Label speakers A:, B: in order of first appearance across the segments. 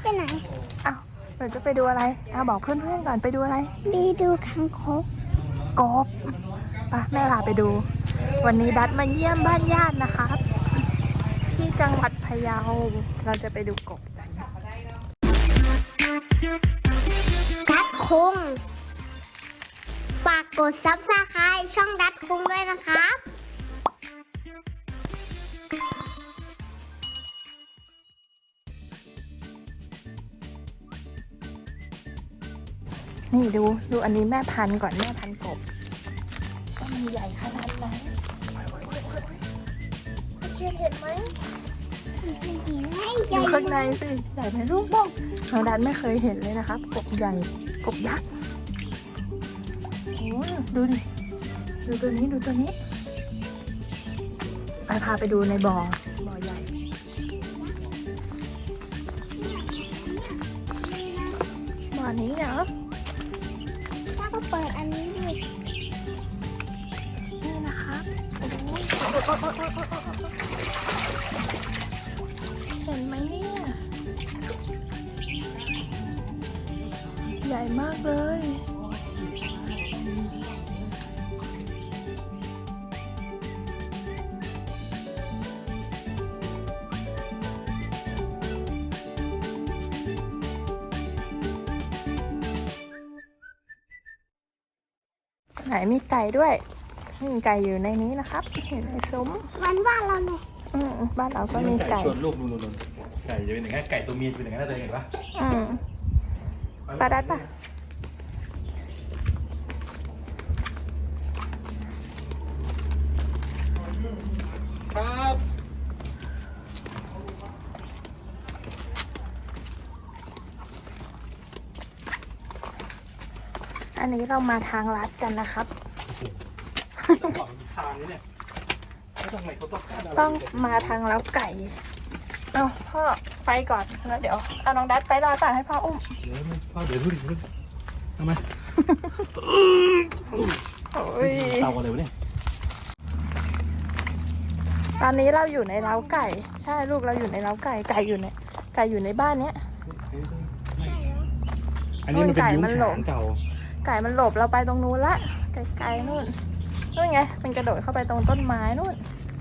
A: ไหน
B: อ้าวเราจะไปดูอะไรบอกเพื่อนๆก่อนไปดูอะไร
A: ไปดูคางคก
B: กบไปแม่พาไปดูวันนี้ดัดมาเยี่ยมบ้านญาตินะครับที่จังหวัดพะเยาเราจะไปดูกบกัน
A: ดัดคงฝากกด Subscribe ช่องดัดคงด้วยนะครับ
B: นี่ดูอันนี้แม่พันธุ์ก่อนแม่พันธุ์กบก็มีใหญ่ขนาดนั้นเพื่อนเห็นไหมอยู่ข้างในสิใหญ่ไหมลูกบ้องน้องดันไม่เคยเห็นเลยนะครับกบใหญ่กบยักษ์โอ้ดูดิดูตัวนี้ไปพาไปดูในบ่อใหญ่บ่อนี้เหรอ
A: ถ้าก็เปิดอันนี้ดิ
B: นี่นะครับเห็นไหมเนี่ยใหญ่มากเลยไหนมีไก่ด้วยไก่อยู่ในนี้นะครับเห็นในซุ้ม
A: บ้านเราเลย
B: บ้านเราก็มีไก่
C: ชวนลูกนู่นไก่จะเป็นอย่างนั้นไก่ตัวเมียจะเป็นอย่างนั้นได้เห็นปะ
B: ปลาดัดปะ
C: ครับ
B: อันนี้เรามาทางลัดกันนะครับ
C: ทางนี้เนี่ย
B: ต้องมาทางแล้วไก่เอาพ่อไปก่อนแล้วเดี๋ยวเอาน้องดัดไปรอต่อให้พ่ออุ้ม
C: เดี๋ยวดูดิทำไมเตาอะไรวะเนี่ย
B: ตอนนี้เราอยู่ในเล้าไก่ใช่ลูกเราอยู่ในเล้าไก่อยู่ในบ้านเนี้ย
C: อันนี้มันเป็นยุ้งฉางเก่า
B: ไก่มันหลบเราไปตรงนู้นละไกลๆนู่นไงมันกระโดดเข้าไปตรงต้นไม้นู่น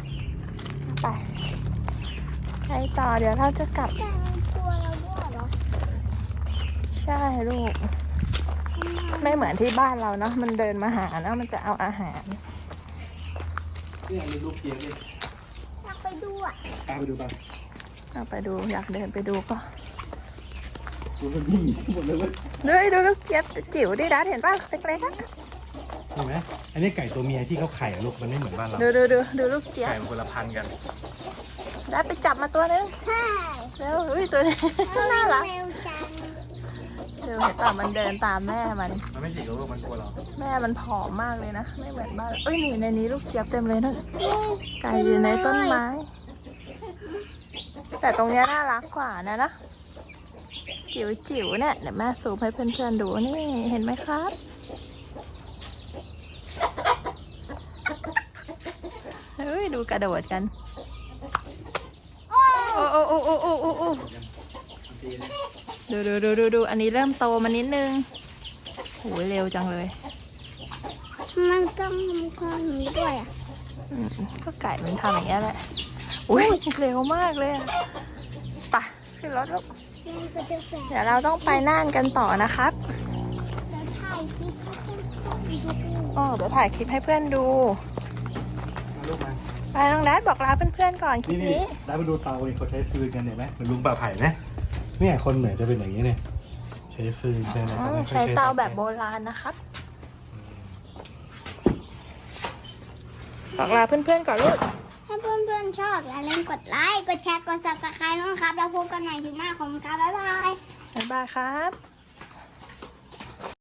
B: ไปต่อเดี๋ยวเราจะกลับ
A: ตัวเราด้วยเหรอ
B: ใช่ลูกไม่เหมือนที่บ้านเราเนาะมันเดินมาหาเนาะมันจะเอาอาหาร
C: นี่มีลูกเจี๊ยบดิ
A: อยากไปดู
C: ไปดูบ้าง
B: เอาไปดูอยากเดินไปดูก็
C: ดูมันวิ่งหมดเลย
B: ดูลูกเจี๊ยบจิ๋วดิดัดเห็นป่ะเล็กๆ
C: เห็นไหมอันนี้ไก่ตัวเมียที่เขาไข่ลูกมันไม่เหมือนบ้านเรา
B: ดูลูกเจี๊ยบ
C: ไก่มันคนละพันกัน
B: ดัดไปจับมาตัวนึงแล้วตัวนี้น่ารักเดี๋ยวเห็นป่ะมันเดินตามแม่มัน
C: ไม่จิกลูกมันกลัวเรา
B: แม่มันผอมมากเลยนะไม่เหมือนบ้านนี่ในนี้ลูกเจี๊ยบเต็มเลยนั่นไก่อยู่ในต้นไม้แต่ตรงนี้น่ารักกว่านะจิ๋วเนี่ยเดี๋ยวแม่ซูมให้เพื่อนๆดูนี่เห็นไหมครับดูกระโดดกันโอ้ดูอันนี้เริ่มโตมานิดนึงโหเร็วจังเลย
A: มันต้องมีความนี้ด้วย
B: ก็ไก่มันทำอย่างนี้แหละอุ้ยเร็วมากเลยไปขึ้นรถลูกเดี๋ยวเราต้องไปน่านกันต่อนะครับเดี๋ยวถ่ายคลิปให้เพื่อนดูไปน้องดัดบอกลาเพื่อนๆก่อนคลิปนี้
C: ได้ไปดูเตาเขาใช้ฟืนกันเห็นไหมเหมือนลุงป่าไผ่นะเนี่ยคนเหนือจะเป็นอย่างนี้เนี่ยใช้ฟืนใช้อะไร
B: ใช้เตาแบบโบราณนะครับบอกลาเพื่อนๆก่อนลูก
A: ถ้าเพื่อนๆชอบอย่าลืมกดไลค์กดแชร์กด Subscribe นะครับแล้วพบกันใหม่คลิปหน้าของครับบ๊ายบาย
B: ครับ